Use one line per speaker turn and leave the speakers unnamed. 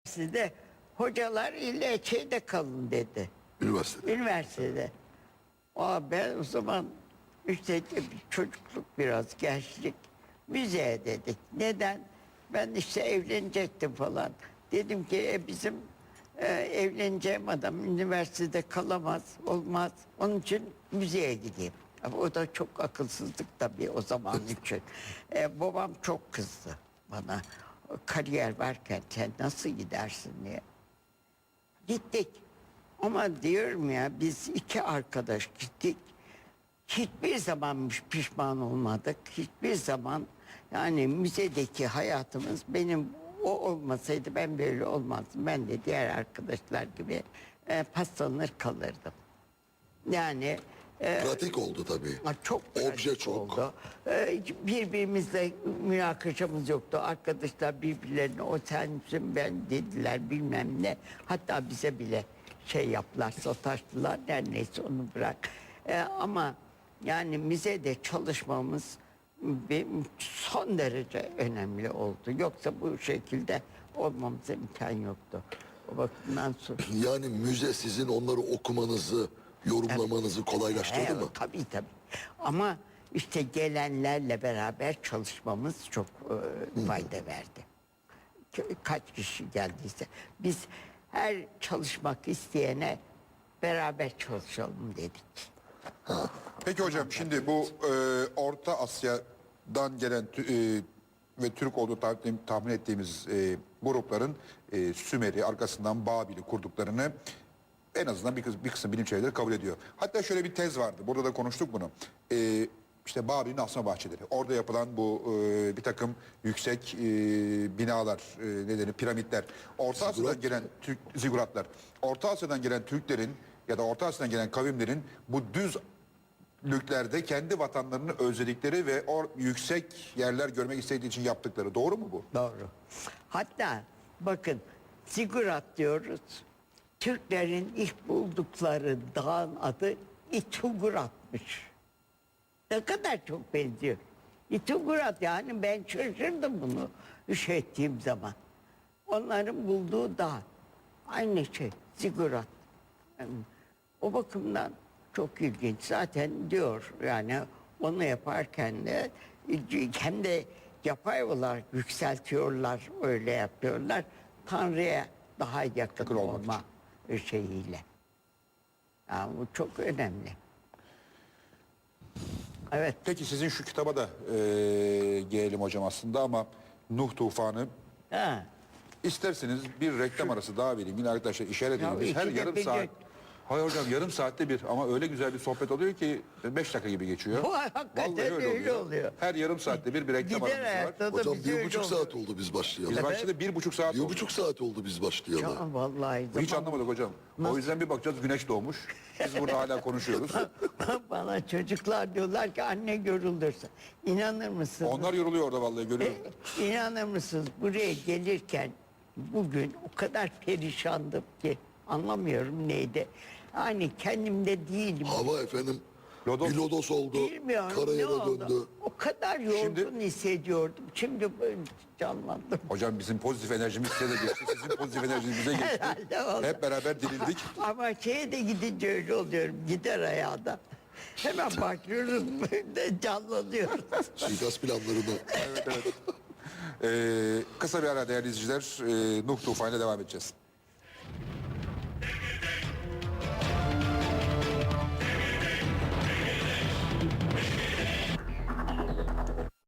Size hocalar ille şeyde kalın dedi.
Üniversitede.
Üniversitede. Ben o zaman işte bir çocukluk biraz gençlik müzeye dedik. Neden? Ben işte evlenecektim falan. Dedim ki bizim evleneceğim adam üniversitede kalamaz, olmaz. Onun için müzeye gideyim. Ama o da çok akılsızlık tabii o zaman için. Babam çok kızdı bana. Kariyer varken sen nasıl gidersin diye. Gittik. Ama diyorum ya biz iki arkadaş gittik. Hiçbir zaman pişman olmadık. Hiçbir zaman yani müzedeki hayatımız benim o olmasaydı ben böyle olmazdım. Ben de diğer arkadaşlar gibi paslanır kalırdım. Yani
Pratik oldu tabii.
çok
Obje
pratik
çok.
oldu. Birbirimizle münakaşamız yoktu. Arkadaşlar birbirlerine o sensin ben dediler bilmem ne. Hatta bize bile şey yaptılar, sataştılar. Her neyse onu bırak. Ama yani müzede çalışmamız son derece önemli oldu. Yoksa bu şekilde olmamıza imkan yoktu. O bakımdan sonra.
Yani müze sizin onları okumanızı, yorumlamanızı kolaylaştırdı mı?
Tabii tabii. Ama işte gelenlerle beraber çalışmamız çok fayda verdi. Kaç kişi geldiyse. Biz her çalışmak isteyene beraber çalışalım dedik.
Peki hocam şimdi bu Orta Asya'dan gelen ve Türk olduğu tahmin ettiğimiz grupların Sümer'i arkasından Babil'i kurduklarını en azından bir kısım bilim çevreleri kabul ediyor. Hatta şöyle bir tez vardı. Burada da konuştuk bunu. İşte Babil'in asma bahçeleri. Orada yapılan bu bir takım yüksek binalar, nedeni piramitler. Orta Asya'dan gelen ziguratlar. Orta Asya'dan gelen Türklerin ya da Orta Asya'dan gelen kavimlerin bu düz lüklerde kendi vatanlarını özledikleri ve yüksek yerler görmek istediği için yaptıkları. Doğru mu bu?
Doğru. Hatta bakın Zigurat diyoruz. Türklerin ilk buldukları dağın adı İtugurat'mış. Ne kadar çok benziyor. İtugurat yani ben şaşırdım bunu ettiğim zaman. Onların bulduğu dağ. Aynı şey Zigurat. Yani o bakımdan çok ilginç. Zaten diyor yani onu yaparken de hem de yapay olarak yükseltiyorlar, öyle yapıyorlar. Tanrı'ya daha yakın olma şeyiyle. Yani bu çok önemli. Evet.
Peki sizin şu kitaba da gelelim hocam aslında ama Nuh Tufanı.
Ha.
İsterseniz bir reklam arası daha vereyim. Yine arkadaşlar işaret edin. Biz her
ikide
yarım
bir
saat... Hayır hocam yarım saatte bir ama öyle güzel bir sohbet oluyor ki 5 dakika gibi geçiyor.
Bu hakikaten
Vallahi
öyle oluyor.
Her yarım saatte bir reklam
Gider
aramız var.
hayatta da
Hocam
bize öyle
1,5
oluyor.
saat oldu biz başlayalı.
Biz başladı 1,5 saat oldu.
1,5 saat oldu biz başlayalı.
Ya vallahi
Hiç
zaman-
anlamadık hocam. O yüzden bir bakacağız güneş doğmuş. Biz burada hala konuşuyoruz.
Bana çocuklar diyorlar ki anne görüldürse. İnanır mısınız?
Onlar yoruluyor orada vallahi görüyorum.
İnanır mısınız buraya gelirken bugün o kadar perişandım ki anlamıyorum neydi. Hani kendimde değilim.
Hava efendim
Lodos.
bir lodos oldu.
Bilmiyorum ne
Karayela
oldu.
döndü.
O kadar yorgun
Şimdi-
hissediyordum. Şimdi böyle canlandım.
Hocam bizim pozitif enerjimiz size de geçti. Sizin pozitif enerjiniz bize geçti.
Herhalde oldu.
Hep beraber dirildik.
Ama şeye de gidince öyle oluyorum. Gider ayağda. Hemen bakıyoruz böyle canlanıyoruz.
Suikast planlarını.
Kısa bir ara değerli izleyiciler. Nuh Tufanı'yla devam edeceğiz.